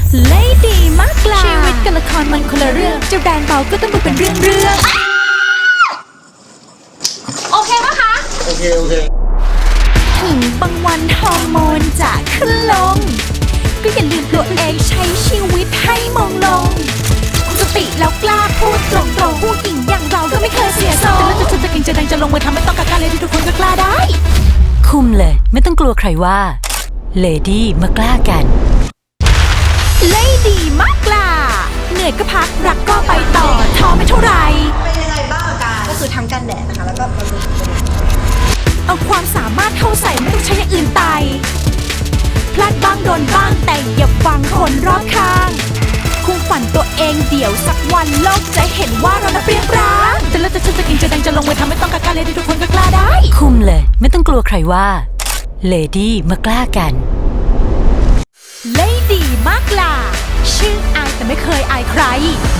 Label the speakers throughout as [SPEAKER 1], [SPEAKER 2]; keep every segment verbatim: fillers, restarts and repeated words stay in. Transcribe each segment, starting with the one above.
[SPEAKER 1] เลดีมากล่ะชีวิตกับละครมันคนละเรื่องจะแรงเบาก็ต้องดูเป็นเรื่องเรื่องโอเคปะคะ
[SPEAKER 2] โอเคโอเค
[SPEAKER 1] ถึงบางวันฮอร์โมนจะขึ้นลงก็อย่าลืมตัวเองใช้ชีวิตให้มองลงสติแล้วกล้าพูดตรงๆผู้หญิงอย่างเราก็ไม่เคยเสียทรงแต่แล้วจะจะกินจะดังจะลงมือทำไม่ต้องกักกันเลยที่ทุกคนก็กล้าได้
[SPEAKER 3] คุมเลยไม่ต้องกลัวใครว่าเลดี้มากล้ากัน
[SPEAKER 1] เลดี้มากล่ะเหนื่อยก็พักรักก็ไปต่อท้อไม่เท่าไร
[SPEAKER 4] เป็นยังไงบ้างอาการก็คือทั้งกันแดดนะคะแล้วก็บำรุง
[SPEAKER 1] เอาความสามารถเข้าใส่ไม่ต้องใช้อย่างอื่นไตพลาดบ้างโดนบ้างแต่อย่าฟังคนรอบข้างคุมฝันตัวเองเดี๋ยวสักวันโลกจะเห็นว่าเราน่ะเปรียบร้างแต่แล้วจะฉันจะกินจะดังจะลงมือทำไม่ต้องกักกันเลยที่ทุกคนก็กล้าได้
[SPEAKER 3] คุมเลยไม่ต้องกลัวใครว่าเลดี้มากล้ากัน
[SPEAKER 1] เลดี้มากล่ะชื่ออายแต่ไม่เคยอายใคร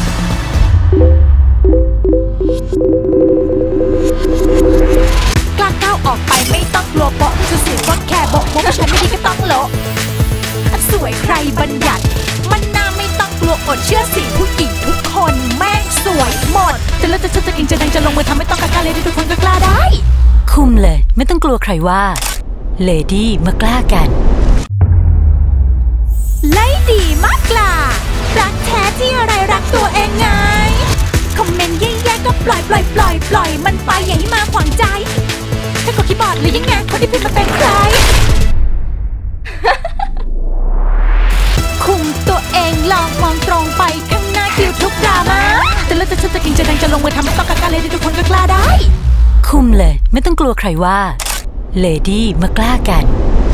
[SPEAKER 1] กล้าก้าวออกไปไม่ต้องกลัวโป๊ะจะสื่อว่าแค่โบกโบกฉันไม่ดีก็ต้องโละสวยใครบัญญัติมันน่าไม่ต้องกลัวอดเชื่อสิผู้หญิงทุกคนแม่งสวยหมดแต่แล้วจะฉันจะกินจะดังจะลงมือทำไม่ต้องกักกันเลยที่ทุกคนก็กล้าได้
[SPEAKER 3] คุมเลยไม่ต้องกลัวใครว่าเลดี้มากล้ากัน
[SPEAKER 1] เลดี้มากล่ะรักแท้ที่อะไรรักตัวเองไงคอมเมนต์แย่ๆก็ปล่อยปล่อยปล่อยปล่อยมันไปอย่าให้มาขวางใจถ้ากดคีย์บอร์ดหรือยังไงคนที่พิมพ์มาเป็นใคร คุมตัวเองลองมองตรงไปข้างหน้าคิวทุกดราม่าแต่แล้วจะฉันจะกินจะดังจะลงมือทำไม่ต้องกักกันเลยที่ทุกคนก็กล้าได้
[SPEAKER 3] คุมเลยไม่ต้องกลัวใครว่าเลดี้มากล้ากัน